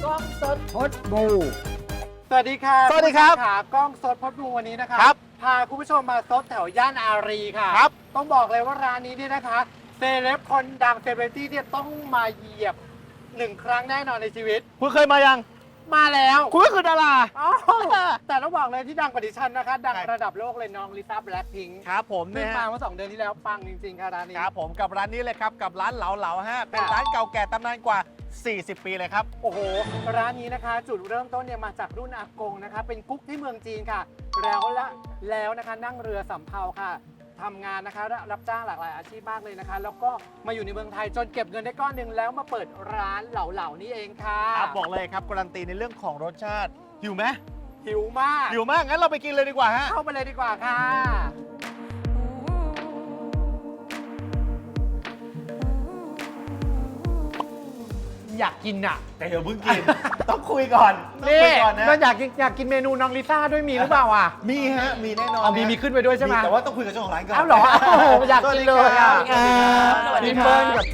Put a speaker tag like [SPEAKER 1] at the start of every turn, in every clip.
[SPEAKER 1] กล้องสดพดบู
[SPEAKER 2] สวัสดีค่ะ
[SPEAKER 1] สวัสดีครับ
[SPEAKER 2] ขากล้องสดพดบูวันนี้นะคะ
[SPEAKER 1] ครับ
[SPEAKER 2] พาคุณผู้ชมมาซดแถวย่านอารีค่ะ
[SPEAKER 1] ครับ
[SPEAKER 2] ต้องบอกเลยว่าร้านนี้เนี่ยนะคะเซเลบคนดังเซเลบริตี้เนี่ยต้องมาเหยียบ1 ครั้งแน่นอนในชีวิต
[SPEAKER 1] คุณเคยมายัง
[SPEAKER 2] มาแล้ว
[SPEAKER 1] คุณก็คือดารา
[SPEAKER 2] อ้าวแต่ต้องบอกเลยที่ดังกว่าดิฉันนะคะ ดัง
[SPEAKER 1] ใช่
[SPEAKER 2] ระดับโลกเลยน้องลิซ่าแบล็คพิงค์
[SPEAKER 1] ครับผม
[SPEAKER 2] เพิ่ง
[SPEAKER 1] เนี่ย
[SPEAKER 2] มาเมื่อ2 เดือนที่แล้วปังจริงๆค่ะร้านนี้
[SPEAKER 1] ครับผมกับร้านนี้เลยครับกับร้านเหลาฮะเป็นร้านเก่าแก่ตำนานกว่า 40 ปีเลยครับ
[SPEAKER 2] โอ้โห ร้านนี้นะคะ จุดเริ่มต้นเนี่ยมาจากรุ่นอากงนะคะ เป็นกุ๊กที่เมืองจีนค่ะ แล้วนะคะนั่งเรือสำเภาค่ะทำงานนะคะรับจ้างหลากหลายอาชีพมากเลยนะคะ แล้วก็มาอยู่ในเมืองไทยจนเก็บเงินได้ก้อนหนึ่งแล้วมาเปิดร้านเหลานี่เองค่ะ
[SPEAKER 1] ครับบอกเลยครับการันตีในเรื่องของรสชาติหิวไหม
[SPEAKER 2] หิวมาก
[SPEAKER 1] หิวมากงั้นเราไปกินเลยดีกว่าฮะ
[SPEAKER 2] เข้าไปเลยดีกว่าค่ะ อยากกินอ่ะ
[SPEAKER 1] แต่เดี๋ยวเพิ่งกิน ต้องคุยก่อนต้อง
[SPEAKER 2] นี่
[SPEAKER 1] คุยก่อนนะ
[SPEAKER 2] มันอยากกินเมนูน้องลิซ่าด้วยมีหรือเปล่าอ่ะ
[SPEAKER 1] มีฮะมีแน่นอน
[SPEAKER 2] เอา
[SPEAKER 1] นะ
[SPEAKER 2] มีขึ้นไปด้วยใช่ไหม
[SPEAKER 1] แต่ว่าต้องคุยกับเจ้าของร้านก่อน
[SPEAKER 2] อ้าวเหรอโอ้โหอยากกินเลยอ่ะ
[SPEAKER 1] สวัสดี
[SPEAKER 2] พี่
[SPEAKER 1] ครั
[SPEAKER 2] เปิ้
[SPEAKER 1] บ
[SPEAKER 2] ลกับ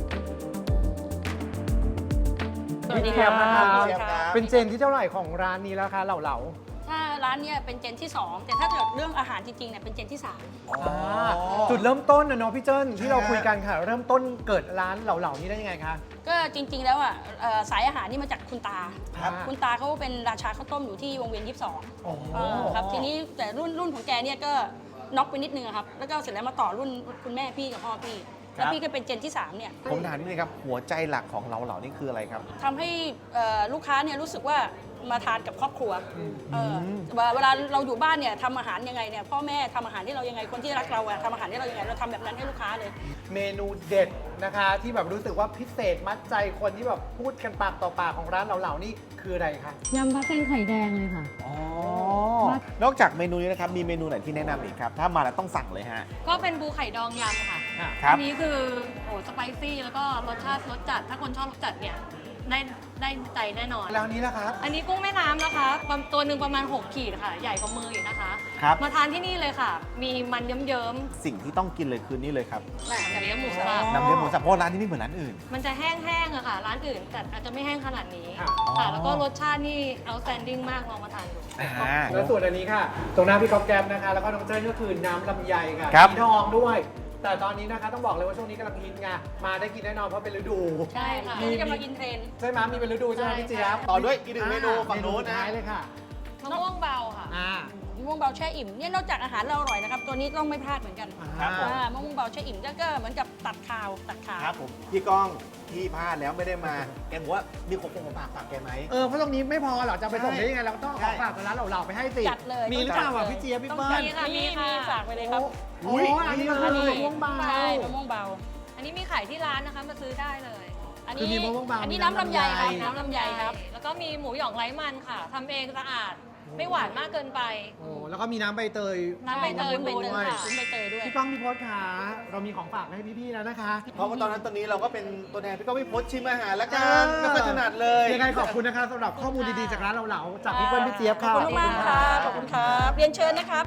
[SPEAKER 3] สวัสดี
[SPEAKER 2] พี่เจี๊ยบนะครับ
[SPEAKER 1] เจี๊ยบครับ
[SPEAKER 2] เป็นเจนที่เท่าไหร่ของร้านนี้แล้วคะเหลา
[SPEAKER 3] ถ้าร้านเนี้ยเป็นเจนที่ 2 แต่ถ้าเกิดเรื่องอาหารจริงๆเนี่ยเป็นเจนที่
[SPEAKER 2] ๆจุดเริ่มต้นนะเนาะพี่เจิ้นที่เราคุยกันค่ะ เริ่มต้นเกิดร้านเหลาๆนี้ได้ยังไงคะ
[SPEAKER 3] 3 ก็จริงๆแล้วอ่ะสายอาหารนี่มาจากคุณตา
[SPEAKER 1] ครับ
[SPEAKER 3] คุณตาเขาเป็นราชาข้าวต้มอยู่ที่วงเวียน 22
[SPEAKER 2] โอ้โห
[SPEAKER 3] ครับทีนี้แต่รุ่นของแกเนี่ยก็น็อกไปนิดนึงอะครับแล้วก็เสร็จแล้วมาต่อรุ่นคุณแม่พี่กับพ่อพี่แล้วพี่ก็เป็นเจนที่ 3 เนี่ย
[SPEAKER 1] ผมถามนิดนึงครับหัวใจหลักของเหลานี่คืออะไรครับ
[SPEAKER 3] ทำให้ลูกค้าเนี่ยรู้สึกว่ามาทานกับครอบครัวเวลาเราอยู่บ้านเนี่ยทำอาหารยังไงเนี่ยพ่อแม่ทำอาหารให้เรายังไงคนที่รักเราอะทำอาหารให้เรายังไงเราทำแบบนั้นให้ลูกค้าเลย
[SPEAKER 2] เมนูเด็ดนะคะ ที่แบบรู้สึกว่าพิเศษมัดใจคนที่แบบพูดกันปากต่อปากของร้านเหลาๆนี่คืออะไรคะ
[SPEAKER 4] ยำปลาเส้นไข่แดงเลยค่ะ
[SPEAKER 1] อ๋อนอกจากเมนูนี้นะครับมีเมนูไหนที่แนะนำอีกครับ ถ้ามาแล้วต้องสั่งเลยฮะ
[SPEAKER 5] ก็เป็นบูไข่ดองยำค่ะ
[SPEAKER 1] ครับ
[SPEAKER 5] อันี้คือโอ้สไปซี่แล้วก็รสชาติรสจัด ถ้าคนชอบรสจัดเนี่ยได้ใจแน่นอน
[SPEAKER 2] แล้วนี้นะครับ
[SPEAKER 5] อันนี้กุ้งแม่น้ำนะคะตัวหนึ่งประมาณ 6 ขีดค่ะ ใหญ่กว่ามืออีกนะคะ
[SPEAKER 1] ครับ
[SPEAKER 5] มาทานที่นี่เลยค่ะ มีมันเยิ้ม
[SPEAKER 1] สิ่งที่ต้องกินเลยคือนี่เลยครับ
[SPEAKER 5] ๆแบบเนื้อหมูสับ
[SPEAKER 1] น้ำเลี้ยงหมูสับเพราะร้านนี้ไม่เหมือนร้านอื่น
[SPEAKER 5] มันจะแห้งๆอะค่ะ ร้านอื่น แต่อาจจะไม่แห้งขนาดนี้
[SPEAKER 2] ค่ะ
[SPEAKER 5] ค่ะ แล้วก็รสชาตินี่ outstanding มากลองมาทานดู
[SPEAKER 2] แล้วส่วนอันนี้ค่ะ ตรงหน้าพี่ก๊อฟแก๊ปนะคะ แล้วก็น้องเจ้นก็คือน้ำลำไยค่ะ
[SPEAKER 1] ครับ
[SPEAKER 2] สีทองด้วย แต่ตอนนี้นะคะต้องบอกเลยว่าช่วงนี้กำลังฮิตไงมาได้กินแน่นอนเพราะเป็นฤดู
[SPEAKER 5] ใช่ค่ะ
[SPEAKER 2] มี
[SPEAKER 5] นี่จะมากินเทรนด์
[SPEAKER 2] ใช่ไหมมีเป็นฤดูใช่ไหม
[SPEAKER 5] ใช่
[SPEAKER 2] พี่เจี๊ยบ
[SPEAKER 1] ต่อด้วยอีกหนึ่งเมนูฝั่งนู้น
[SPEAKER 2] เมสุด
[SPEAKER 1] นะ
[SPEAKER 2] ท้ายเลยค่ะ
[SPEAKER 5] มะม่วงเบาค่ะ
[SPEAKER 2] อ่า
[SPEAKER 3] มะม่วงเบาแช่อิ่มเนี่ยนอกจากอาหารเราอร่อยนะครับ ตัวนี้ต้องไม่พลาดเหมือนกัน
[SPEAKER 1] ครับผม
[SPEAKER 3] มะม่วงเบาแช่อิ่มก็เหมือนกับตัดข่าว
[SPEAKER 1] ครับผมพี่ก้องพี่พลาดแล้วไม่ได้มาแกบอกว่ามีของฝากฝากแกไหม
[SPEAKER 2] เพราะตรงนี้ไม่พอหรอกจะเอาไปส่ง
[SPEAKER 1] ใช่
[SPEAKER 2] ได้ยังไงเราก็ต้องเอาของฝากร้านเหล่าๆไปให้สิ
[SPEAKER 3] จัดเลย
[SPEAKER 2] มีหรือเปล่า
[SPEAKER 3] จั
[SPEAKER 2] อ่ะ
[SPEAKER 3] ดเลย
[SPEAKER 2] พี่เจี๊ยบพี่
[SPEAKER 3] ต้อง
[SPEAKER 2] เปิ้ล
[SPEAKER 5] มีค่ะ
[SPEAKER 3] มีฝากไปเลยครับ
[SPEAKER 2] โอ้อันนี้เลย
[SPEAKER 3] อันนี้
[SPEAKER 2] มะม่วงเบา
[SPEAKER 3] ใช่มะม่วงเบา
[SPEAKER 5] อันนี้มีขายที่ร้านนะคะมาซื้อได้เลย
[SPEAKER 3] อัน
[SPEAKER 2] คือ
[SPEAKER 3] นี้
[SPEAKER 2] มีมะม่วงเบา
[SPEAKER 3] อันนี้
[SPEAKER 2] มี
[SPEAKER 3] น้ำลำไยครับ
[SPEAKER 2] น้ำลำไย
[SPEAKER 3] น้ำลำไยครับ
[SPEAKER 5] แล้วก็มีหมูหยองไร้มันค่ะทำเองสะอาด ไม่หวานมากเกินไป
[SPEAKER 2] โอ้แล้วก็มีน้ำใบเตย
[SPEAKER 5] น้ำใบเตย
[SPEAKER 3] ใบเตย
[SPEAKER 5] ด้วย
[SPEAKER 3] ค่ะใบเตยด้วย
[SPEAKER 2] พี่ก้องพี่พศขาเรามีของฝากมาให้พี่ๆแล้วนะคะ
[SPEAKER 1] เพราะว่าตอนนี้เราก็เป็นตัวแทนพี่ก้องพี่พศชิมอาหารแล้วกัน
[SPEAKER 2] เออ
[SPEAKER 1] ไม่ค่อยถนัดเลย
[SPEAKER 2] ยังไงขอบคุณนะคะสำหรับข้อมูลดีๆจากร้านเหลาๆจากพี่เปิ้ลพี่เจี๊ยบ
[SPEAKER 3] ขอบ
[SPEAKER 2] ค่ะ
[SPEAKER 3] คุณมากๆครับ ขอบคุณครับ เรียนเชิญนะครับ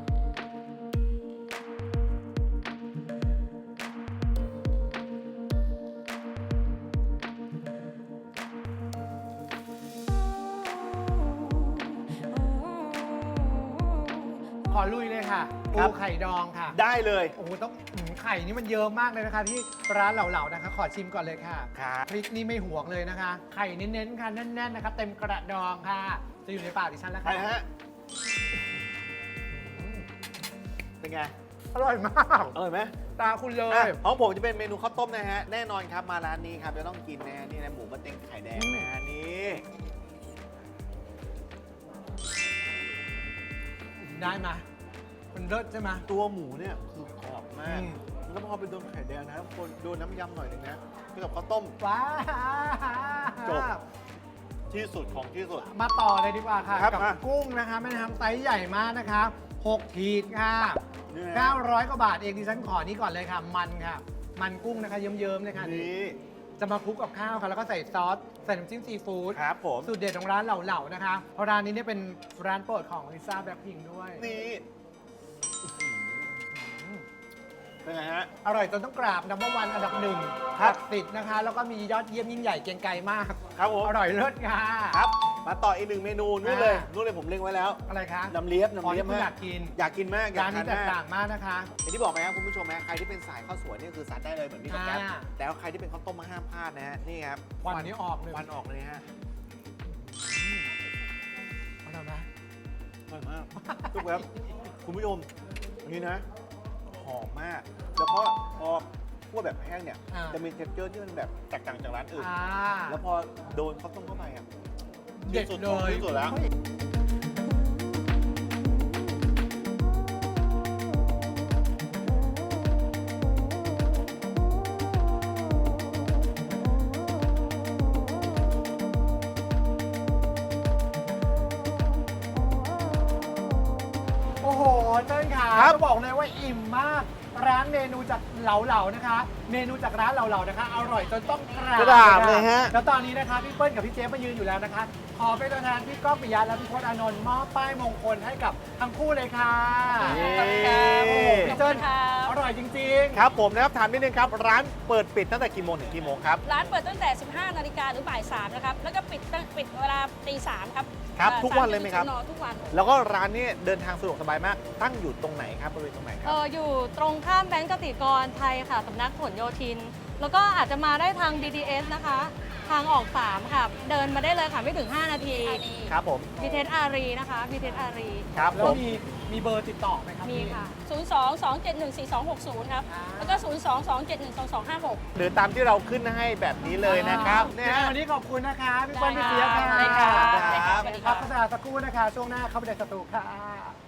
[SPEAKER 2] ขอลุยเลยค่ะ
[SPEAKER 1] ครั
[SPEAKER 2] ปู
[SPEAKER 1] บ
[SPEAKER 2] ไข่ดองค่ะ
[SPEAKER 1] ได้เลย
[SPEAKER 2] โอ้โหต้องไข่นี่มันเยอะมากเลยนะคะ ที่ร้านเหลาๆนะคะ ขอชิมก่อนเลยค่ะ
[SPEAKER 1] ครับ
[SPEAKER 2] พริกนี่ไม่ห่วงเลยนะคะ ไข่เน้นๆค่ะแน่นๆนะคะเต็มกระดองค่ะ จะอยู่ในปากดิฉันแล้ว
[SPEAKER 1] ไป
[SPEAKER 2] ค่ะ
[SPEAKER 1] ฮะเป็นไง
[SPEAKER 2] อร่อยมาก
[SPEAKER 1] อร่อยไหม
[SPEAKER 2] ตาคุณเล
[SPEAKER 1] อ่ะ
[SPEAKER 2] ย
[SPEAKER 1] ของผมจะเป็นเมนูข้าวต้มนะฮะ แน่นอนครับมาร้านนี้ครับจะต้องกินนะฮะนี่นะหมูมะเต็งไข่แดงนะฮะนี่
[SPEAKER 2] ได้ไหมมันเลิศใช่ไหม
[SPEAKER 1] ตัวหมูเนี่ยคือกรอบมาก
[SPEAKER 2] อืม
[SPEAKER 1] แล้วพอไปโดนไข่แดงนะครับคนโดนน้ำยำหน่อยหนึงนะคือกับข้าวต้ม
[SPEAKER 2] ว้า
[SPEAKER 1] จบ ที่สุดของที่สุด
[SPEAKER 2] มาต่อเลยดีกว่าค่ะ
[SPEAKER 1] ครับ
[SPEAKER 2] กับ
[SPEAKER 1] อ่ะ
[SPEAKER 2] กุ้งนะคะแม่น้ำไซส์ใหญ่มากนะคะ6ขีดค่ะ
[SPEAKER 1] นี่นะ
[SPEAKER 2] 900 กว่าบาทเองดิฉันขอนี้ก่อนเลยค่ะ มันค่ะ มันกุ้งนะคะเยิ้มๆเลยค่ะ
[SPEAKER 1] นี่
[SPEAKER 2] จะมาคลุกกับข้าวค่ะ แล้วก็ใส่ซอส ใส่น้ำจิ้มซีฟู้ด
[SPEAKER 1] ครับผม
[SPEAKER 2] สูตรเด็ดของร้านเหล่าๆนะคะ เพราะร้านนี้เนี่ยเป็นร้านโปรดของลิซ่าแบล็คพิงค์ด้วย
[SPEAKER 1] นี่เป็นไงฮะ
[SPEAKER 2] อร่อยจนต้องกราบนัมเบอร์วันอันดับหนึ่ง
[SPEAKER 1] ครับ
[SPEAKER 2] ศักดิ์สิทธิ์นะคะ แล้วก็มียอดเยี่ยมยิ่งใหญ่เกรียงไกรมาก
[SPEAKER 1] ครับผม
[SPEAKER 2] อร่อยเลิศงา
[SPEAKER 1] ครับมาต่ออีกหนึ่งเมนูนู่นเลย
[SPEAKER 2] อ่า
[SPEAKER 1] นู่นเลยผมเล็งไว้แล้ว
[SPEAKER 2] อะไรคะ
[SPEAKER 1] น้ำเลียบ
[SPEAKER 2] อ๋อ
[SPEAKER 1] น้ำเลียบ
[SPEAKER 2] ที่คุณ
[SPEAKER 1] มาก
[SPEAKER 2] อยากกิน
[SPEAKER 1] อยากกินมากอยา
[SPEAKER 2] ร้าก น
[SPEAKER 1] ทา
[SPEAKER 2] นี้
[SPEAKER 1] น
[SPEAKER 2] แตก
[SPEAKER 1] มาก
[SPEAKER 2] ต่างมากนะคะ
[SPEAKER 1] อย่างที่บอกไปครับคุณผู้ชมนะใครที่เป็นสายข้าวสวยนี่คือซัดได้เลยเหมือนพี่กับแก๊ป
[SPEAKER 2] อ่า
[SPEAKER 1] แต่ว่าใครที่เป็นข้าวต้มมาห้ามพลาดนะฮะนี่ครับ
[SPEAKER 2] ควันนี้ออกเลย
[SPEAKER 1] ควันออกเลยฮะ
[SPEAKER 2] เอาแล้วนะ
[SPEAKER 1] อร่อยมากทุกครับคุณผู้ชมอันนี้นะหอมมาก แล้วก็พอคั่วแบบแห้งเนี่ย
[SPEAKER 2] อ่า
[SPEAKER 1] จะมีเท็กเจอร์ที่มันแบบแตกต่างจากร้านอื่น
[SPEAKER 2] อ่า
[SPEAKER 1] แล้วพอโดนข้าวต้มเข้าไปอ่ะ
[SPEAKER 2] เด็ด
[SPEAKER 1] ที่สุ
[SPEAKER 2] เล
[SPEAKER 1] ของ
[SPEAKER 2] ย
[SPEAKER 1] ที่สุดแล้ว
[SPEAKER 2] โอ้โหเติ้ลค่ะ
[SPEAKER 1] ครับ
[SPEAKER 2] จะบอกเลยว่าอิ่มมาก ร้านเมนูจากเหลาๆนะคะ เมนูจากร้านเหลาๆนะคะ อร่อยจนต้องก
[SPEAKER 1] กรา
[SPEAKER 2] รา
[SPEAKER 1] บเลยฮะ
[SPEAKER 2] แล้วตอนนี้นะคะพี่เปิ้ลกับพี่เจฟมายืนอยู่แล้วนะคะ ขอเป็นตัวแทนพี่ก้องปิยะและพี่พจน์อานนท์มอบป้ายมงคลให้กับทั้งคู่เลยค่ะ
[SPEAKER 1] เย้
[SPEAKER 2] โอ้โหพี่เติ้ล
[SPEAKER 3] ขอบคุณครับ
[SPEAKER 2] อร่อยจริงๆ
[SPEAKER 1] ครับผมนะครับถามนิดนึงครับ ร้านเปิดปิดตั้งแต่กี่โมงถึงกี่โมงครับ
[SPEAKER 3] ร้านเปิดตั้งแต่ 15 นาฬิกาหรือบ่าย 3 นะครับ แล้วก็ปิดเวลาตี 3 ครับ
[SPEAKER 1] ครับทุกวันเลยไหมครับ
[SPEAKER 3] ทุกวัน
[SPEAKER 1] แล้วก็ร้านนี้เดินทางสะดวกสบายมาก ตั้งอยู่ตรงไหนครับบริเวณตรงไหนครับ
[SPEAKER 5] อยู่ตรงข้ามแบงก์กสิกรไทยค่ะสำนักผลโยธิน แล้วก็อาจจะมาได้ทาง BTS นะคะ ทางออก 3 ค่ะ เดินมาได้เลยค่ะ ไม่ถึง 5 นาที
[SPEAKER 1] ครับผม
[SPEAKER 5] BTS อารีนะคะ BTS อารี
[SPEAKER 1] ครับ
[SPEAKER 2] แล้
[SPEAKER 1] ผ
[SPEAKER 2] ว
[SPEAKER 1] ม
[SPEAKER 2] มีเบอร์ติดต่อไหมครับ
[SPEAKER 5] มี
[SPEAKER 2] พี่
[SPEAKER 5] ค่ะ
[SPEAKER 3] 02-271-4260 ครับ แล้วก็ 02-271-2256
[SPEAKER 1] หรือตามที่เราขึ้นให้แบบนี้เลยนะครับเนี่ยฮะ
[SPEAKER 2] วันนี้ขอบคุณนะคะ พี่เปิ้ลพี่เจี๊ยบค่ะ
[SPEAKER 3] ได้ครับ
[SPEAKER 1] ครับ
[SPEAKER 3] สวัสดีค
[SPEAKER 2] พั
[SPEAKER 3] รั
[SPEAKER 2] ก
[SPEAKER 3] บ
[SPEAKER 2] โฆษณาสักครู่นะคะ ช่วงหน้าเข้าไปในสตูค่ะ